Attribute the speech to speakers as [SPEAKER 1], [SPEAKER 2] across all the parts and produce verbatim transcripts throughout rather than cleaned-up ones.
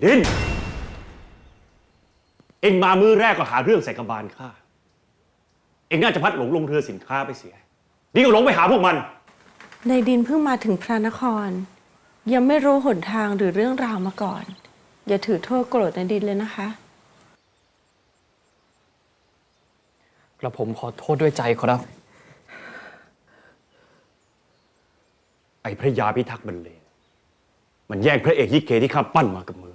[SPEAKER 1] ดินเอ็งมามือแรกก็หาเรื่องใส่กบาลข้าเอ็งน่าจะพัดหลงลงเรือสินค้าไปเสียนี่ก็หลงไปหาพวกมัน
[SPEAKER 2] ในดินเพิ่งมาถึงพระนครยังไม่รู้หนทางหรือเรื่องราวมาก่อนอย่าถือโทษโกรธในดินเลยนะคะ
[SPEAKER 3] กระผมขอโทษด้วยใจครับ
[SPEAKER 1] ไอ้พระยาพิทักษ์บรรเลงมันแย่งพระเอกยิเกที่ข้าปั้นมากับมือ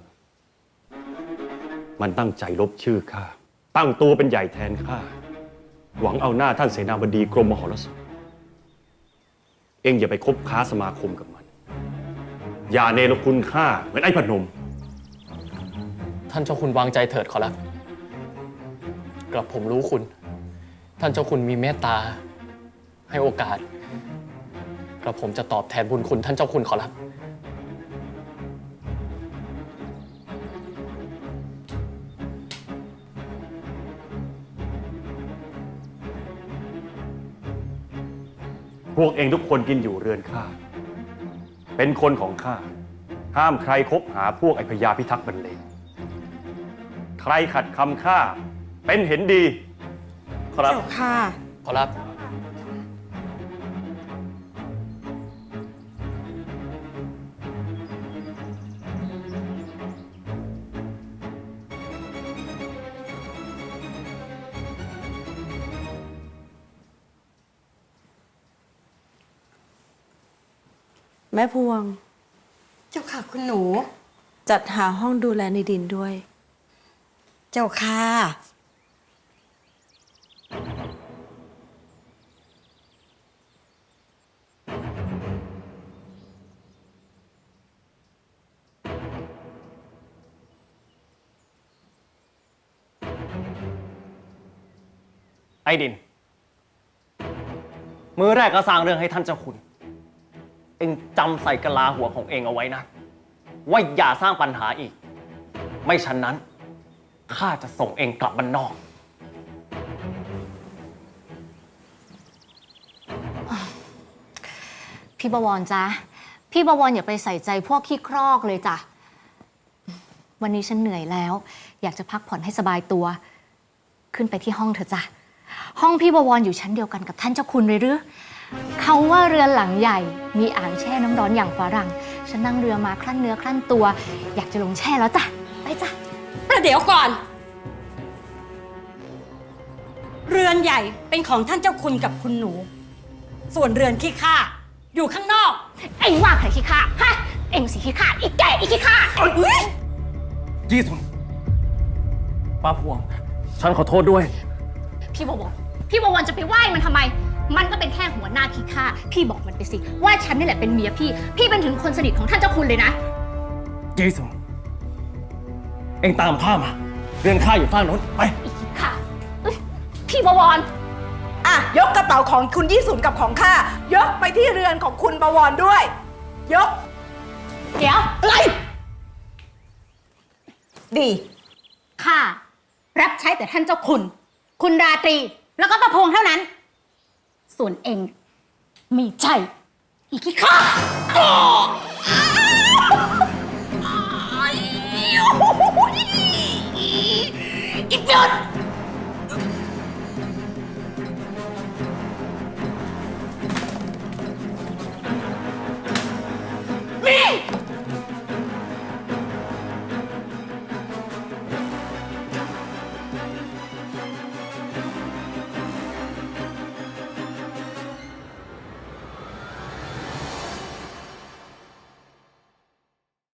[SPEAKER 1] มันตั้งใจลบชื่อข้าตั้งตัวเป็นใหญ่แทนข้าหวังเอาหน้าท่านเสนาบดีกรมมหรสพเอ็งอย่าไปคบค้าสมาคมกับมันอย่าเนรคุณข้าเหมือนไอ้พนม
[SPEAKER 3] ท่านเจ้าคุณวางใจเถิดขอรับกระผมรู้คุณท่านเจ้าคุณมีเมตตาให้โอกาสกระผมจะตอบแทนบุญคุณท่านเจ้าคุณขอรับ
[SPEAKER 1] พวกเองทุกคนกินอยู่เรือนข้าเป็นคนของข้าห้ามใครคบหาพวกไอ้พญาพิทักษ์บรรเลงใครขัดคำข้าเป็นเห็นดี
[SPEAKER 3] ขอรับ
[SPEAKER 2] เจ้าค่ะ
[SPEAKER 3] ขอรับ
[SPEAKER 2] แม่พวง
[SPEAKER 4] เจ้าค่ะคุณหนู
[SPEAKER 2] จัดหาห้องดูแลในดินด้วย
[SPEAKER 4] เจ้าค่ะ
[SPEAKER 3] ไอ้ดินมือแรกก็สร้างเรื่องให้ท่านเจ้าคุณเองจำใส่กะลาหัวของเองเอาไว้นะว่าอย่าสร้างปัญหาอีกไม่ฉะนั้นข้าจะส่งเองกลับบ้านนอก
[SPEAKER 5] พี่บวรจ๊ะพี่บวรอย่าไปใส่ใจพวกขี้ครอกเลยจ้ะวันนี้ฉันเหนื่อยแล้วอยากจะพักผ่อนให้สบายตัวขึ้นไปที่ห้องเถอะจ้ะห้องพี่บวรอยู่ชั้นเดียวกันกับท่านเจ้าคุณเลยหรือเขาว่าเรือนหลังใหญ่มีอ่างแช่น้ำร้อนอย่างฝรั่งฉันนั่งเรือมาคลั่นเนื้อคลั่นตัวอยากจะลงแช่แล้วจ้ะไปจ้ะ
[SPEAKER 4] ประเดี๋ยวก่อนเรือนใหญ่เป็นของท่านเจ้าคุณกับคุณหนูส่วนเรือนขี้ข้าอยู่ข้างนอก
[SPEAKER 5] เอ็งว่าใครขี้ข้าฮะเอ็งสิขี้ข้าอีกแก่อีกขี้ข้า
[SPEAKER 3] ยี่สุนป้าพวงฉันขอโทษด้วย
[SPEAKER 5] พี่บวรพี่บวรจะไปไหว้มันทำไมมันก็เป็นแค่หัวหน้าขี้ข้าพี่บอกมันไปสิว่าฉันนี่แหละเป็นเมียพี่พี่เป็นถึงคนสนิทของท่านเจ้าคุณเลยนะ
[SPEAKER 3] เจสุนเอ็งตามข้ามาเรือนข้าอยู่ฝั่งโน้นไป
[SPEAKER 5] อีกขี้ข้าพี่บวร
[SPEAKER 6] อ่ะยกกระเป๋าของคุณยี่สุนกับของข้ายกไปที่เรือนของคุณบวรด้วยยก
[SPEAKER 5] เดี๋ยวอะไร
[SPEAKER 6] ดี
[SPEAKER 5] ข้ารับใช้แต่ท่านเจ้าคุณคุณราตรีแล้วก็ประพงษ์เท่านั้นส่วนเองมีใจอีกขี้ข้าอีกจุด